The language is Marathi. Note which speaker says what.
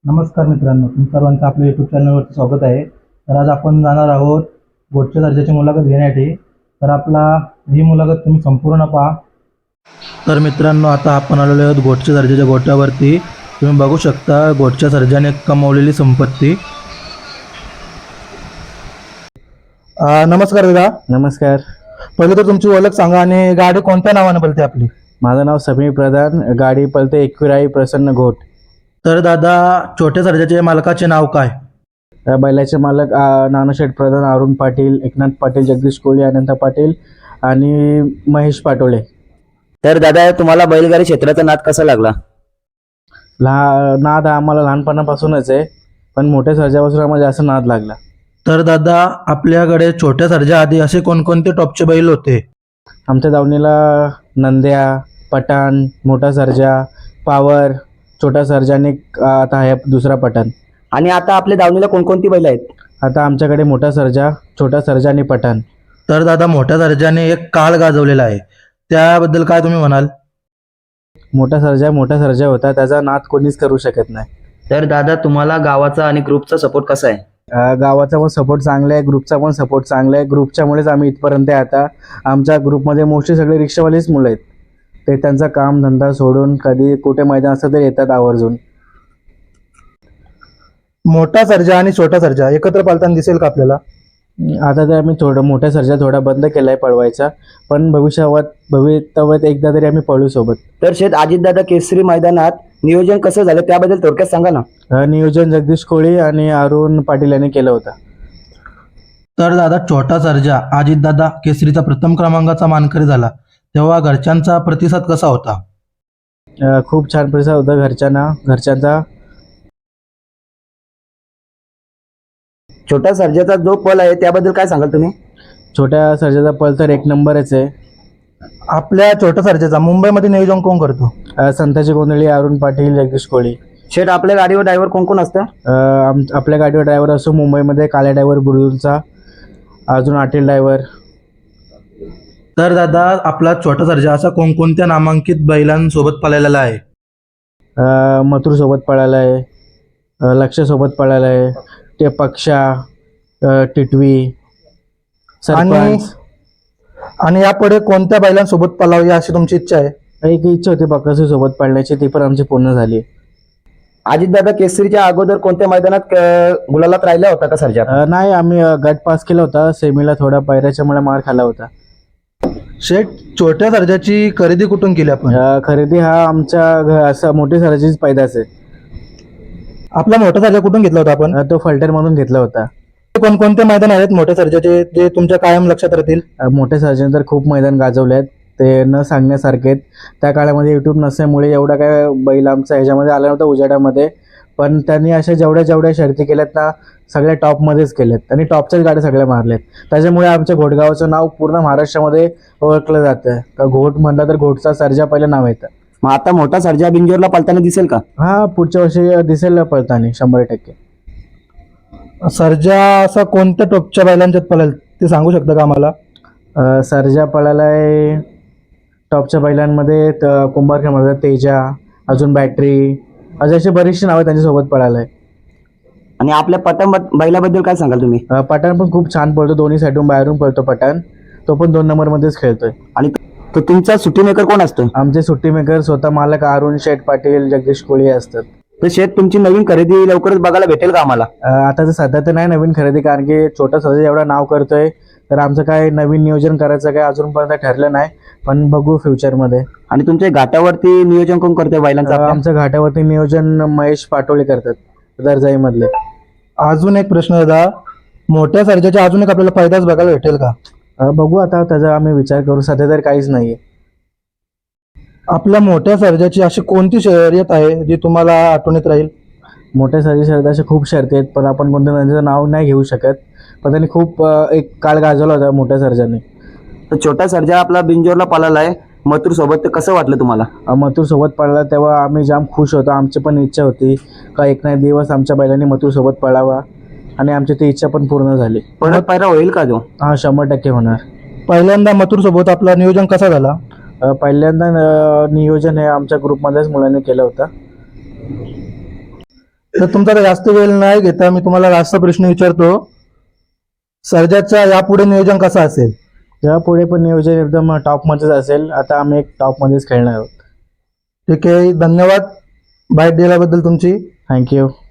Speaker 1: नमस्कार मित्रांनो, तुम सर्वांचं आपल्या यूट्यूब चॅनलवरती स्वागत आहे. तर आज आपण जाणार आहोत गोटच्या दर्जाची मुलाखत घेण्यासाठी. तर ही मुलाखत तुम्ही संपूर्ण पहा. तर मित्रांनो, आता आपण आलेलो आहोत गोटच्या दर्जाच्या गोट्यावरती. तुम्ही बघू शकता गोटच्या सर्जाने कमावलेली संपत्ती. नमस्कार दादा.
Speaker 2: नमस्कार.
Speaker 1: पहिले तर तुमची ओळख सांगा आणि गाडी कोणत्या नावाने बोलते आपली?
Speaker 2: माझं नाव समीर प्रधान. गाडी पळते एकविराई प्रसन्न घोट.
Speaker 1: तर दादा, छोट्या सर्जाच्या मालकाचे नाव काय?
Speaker 2: या बैलाचे मालक नानाशेठ प्रधान, अरुण पाटील, एकनाथ पाटील, जगदीश कोळी, अनंत पाटील आणि महेश पाटोळे.
Speaker 3: तर दादा, तुम्हाला बैलगाडी क्षेत्राचा नाद कसा लागला?
Speaker 2: नाद आम्हाला लहानपणापासूनच आहे, पण मोठ्या सर्जापासून आम्हाला जास्त नाद लागला.
Speaker 1: तर दादा, आपल्याकडे छोट्या सर्जा आधी असे कोणकोणते टॉपचे बैल होते?
Speaker 2: आमच्या दावणीला नंद्या, पठाण, मोठा सर्जा, पावर, छोटा सर्जा आणि आता आहे दुसरा पठाण.
Speaker 3: आणि आता आपल्या दावणीला कोणकोणती बैल आहेत?
Speaker 2: आता आमच्याकडे मोठा सर्जा, छोटा सर्जा आणि पठाण.
Speaker 1: तर दादा, मोठ्या सर्जाने एक काळ गाजवलेला आहे, त्याबद्दल काय तुम्ही म्हणाल?
Speaker 2: मोठा सर्जा होता, त्याचा नाद कोणीच करू शकत नाही.
Speaker 3: तर दादा, तुम्हाला गावाचा आणि ग्रुपचा सपोर्ट कसा आहे?
Speaker 2: गावाचा पण सपोर्ट चांगला आहे, ग्रुपचा पण सपोर्ट चांगला आहे. ग्रुपच्यामुळेच आम्ही इथपर्यंत आहे. आता आमच्या ग्रुपमध्ये मोस्टली सगळे रिक्षावालेच मुलं आहेत. ते त्यांचा काम धंदा सोडून कधी कुठे मैदान असतं तर येतात आवर्जून.
Speaker 1: मोठा सर्जा आणि छोटा सर्जा एकत्र पालताना दिसेल का आपल्याला?
Speaker 2: आता तर आम्ही मोठ्या सर्जा थोडा बंद केला आहे पळवायचा, पण भविष्यात एकदा तरी आम्ही पळू सोबत.
Speaker 3: तर शेत अजितदादा केसरी मैदानात नियोजन कसं झालं त्याबद्दल थोडक्यात सांगा ना.
Speaker 2: नियोजन जगदीश कोळी आणि अरुण पाटील यांनी केलं होतं.
Speaker 1: तर दादा, छोटा सर्जा अजितदादा केसरीचा प्रथम क्रमांकाचा मानकरी झाला, तेव्हा घरच्यांचा प्रतिसाद कसा होता?
Speaker 2: खूप छान प्रतिसाद होता घरच्यांचा.
Speaker 3: छोटा सर्जाचा जो पल आहे त्याबद्दल काय सांगाल तुम्ही?
Speaker 2: छोट्या सर्जाचा पल तर एक नंबरच आहे.
Speaker 1: आपल्या छोट्या सर्जाचा मुंबईमध्ये नियोजन कोण करतो?
Speaker 2: संताजी गोंधळी, अरुण पाटील, जगदीश कोळी.
Speaker 3: शेठ, आपल्या गाडीवर ड्रायव्हर कोण कोण असतं?
Speaker 2: आपल्या गाडीवर ड्रायव्हर असतो मुंबईमध्ये काल्या ड्रायव्हर बुलूनचा, अजून आटील ड्रायव्हर.
Speaker 1: तर दादा, आपला छोटा सर्जा असा कोणकोणत्या नामांकित बैलांसोबत पळालेला आहे?
Speaker 2: मथुर सोबत पळाला आहे, लक्ष सोबत पळाला आहे, ते पक्षा, टिटवी, सरपंच.
Speaker 1: आणि यापुढे कोणत्या बैलांसोबत पळावी अशी तुमची इच्छा आहे?
Speaker 2: एक इच्छा होती बकासूर सोबत पळण्याची, ती पण आमची पूर्ण झाली.
Speaker 3: अजितदादा केसरीच्या अगोदर कोणत्या मैदानात गुलालात राहिला होता का सर्जा?
Speaker 2: नाही, आम्ही गट पास केला होता. सेमीला थोडा पायऱ्याच्यामुळे मार खाला होता.
Speaker 1: शेठ, छोट्या सर्जाची खरेदी कुठून केली आपण?
Speaker 2: खरेदी हा आमच्या असं मोठी सर्जाचीच पैदास आहे.
Speaker 1: आपला मोठा सर्जा कुठून घेतला होता आपण?
Speaker 2: तो फलटणमधून घेतला होता.
Speaker 1: कोणकोणते मैदान आहेत मोठ्या सर्जाचे जे तुमच्या कायम लक्षात राहतील?
Speaker 2: मोठ्या सर्जन तर खूप मैदान गाजवले आहेत, ते न सांगण्यासारखे आहेत. त्या काळामध्ये यूट्यूब नसल्यामुळे एवढा काय बैल आमचा ह्याच्यामध्ये आला नव्हता उजेडामध्ये, पण त्यांनी अशा जेवढ्या शर्ती केल्यात ना, सगळ्या टॉपमध्येच केल्यात आणि टॉपच्याच गाड्या सगळ्या मारल्यात. त्याच्यामुळे आमच्या घोटगावचं नाव पूर्ण महाराष्ट्रामध्ये ओळखलं जातं. तर घोट म्हटलं तर घोटचा सर्जा पहिलं नाव येतं.
Speaker 3: मग आता मोठा सर्जा बिंजोरला पळताना दिसेल का?
Speaker 2: हा, पुढच्या वर्षी दिसेल पळताना 100%.
Speaker 1: सर्जा असा कोणत्या टॉपच्या बैलांच्यात पळेल ते सांगू शकता का आम्हाला?
Speaker 2: सर्जा पळाला आहे टॉपच्या बैलांमध्ये कुंभारखेडमध्ये तेजा, अजून बॅटरी, अशी बरीचशी नावं त्यांच्यासोबत पळाला आहे.
Speaker 3: आणि आपल्या पठाण बैलाबद्दल काय सांगाल तुम्ही?
Speaker 2: पठाण पण खूप छान पळतो, दोन्ही साईडून बाहेरून पळतो पठाण. तो पण 2 नंबरमध्येच खेळतोय.
Speaker 3: आणि तो तुमचा सुट्टी मेकर कोण असतो?
Speaker 2: आमचे सुट्टी मेकर स्वतः मालक अरुण शेठ पाटील, जगदीश कोळी असतात.
Speaker 3: तर शेठ, तुमची नवीन खरेदी लवकरच बघायला भेटेल का आम्हाला?
Speaker 2: आता तर सध्या तर नाही नवीन खरेदी, कारण की छोटा सर्जा एवढा नाव करतोय, तर आमचं काय नवीन नियोजन करायचं काय अजूनपर्यंत ठरलं नाही, पण बघू फ्युचरमध्ये.
Speaker 3: आणि तुमच्या घाटावरती नियोजन कोण करतोय बैलांचं?
Speaker 2: आमचं घाटावरती नियोजन महेश पाटोळे करतात, दर्जाईमधले.
Speaker 1: अजून एक प्रश्न दादा, मोठ्या सर्जाच्या अजून एक आपल्याला फायदाच बघायला भेटेल का?
Speaker 2: बघू आता, त्याचा आम्ही विचार करू. सध्या तर काहीच नाहीये.
Speaker 1: आपल्या मोठ्या सर्जाची अशी कोणती शर्यत आहे जी तुम्हाला आठवणीत राहील?
Speaker 2: मोठ्या सर्जा अशा खूप शर्ती आहेत, पण आपण कोणत्या त्यांचं नाव नाही घेऊ शकत. पण त्यांनी खूप एक काळ गाजवला होता मोठ्या सर्जाने.
Speaker 3: तर छोटा सर्जा आपला बिंजोरला पळाला आहे मथुर सोबत, तर कसं वाटलं तुम्हाला?
Speaker 2: मथुर सोबत पळाला तेव्हा आम्ही जाम खुश होतो. आमची पण इच्छा होती का एक ना एक दिवस आमच्या बैलांनी मथुर सोबत पळावा, आणि आमची ती इच्छा पण पूर्ण झाली.
Speaker 3: परत पायरा होईल का तो?
Speaker 2: हा, 100% होणार.
Speaker 1: पहिल्यांदा मथुर सोबत आपला नियोजन कसा झाला?
Speaker 2: पहिल्यांदा नियोजन हे आमच्या ग्रुपमध्येच मुलांनी केलं होतं.
Speaker 1: तर तुमचा काही जास्त वेळ नाही घेता मी तुम्हाला लास्टचा प्रश्न विचारतो. सर्जाचा यापुढे नियोजन कसं असेल?
Speaker 2: यापुढे पण नियोजन एकदम टॉपमध्येच असेल. आता आम्ही एक टॉपमध्येच खेळणार आहोत.
Speaker 1: ठीक आहे, धन्यवाद बाईट दिल्याबद्दल तुमची.
Speaker 2: थँक्यू.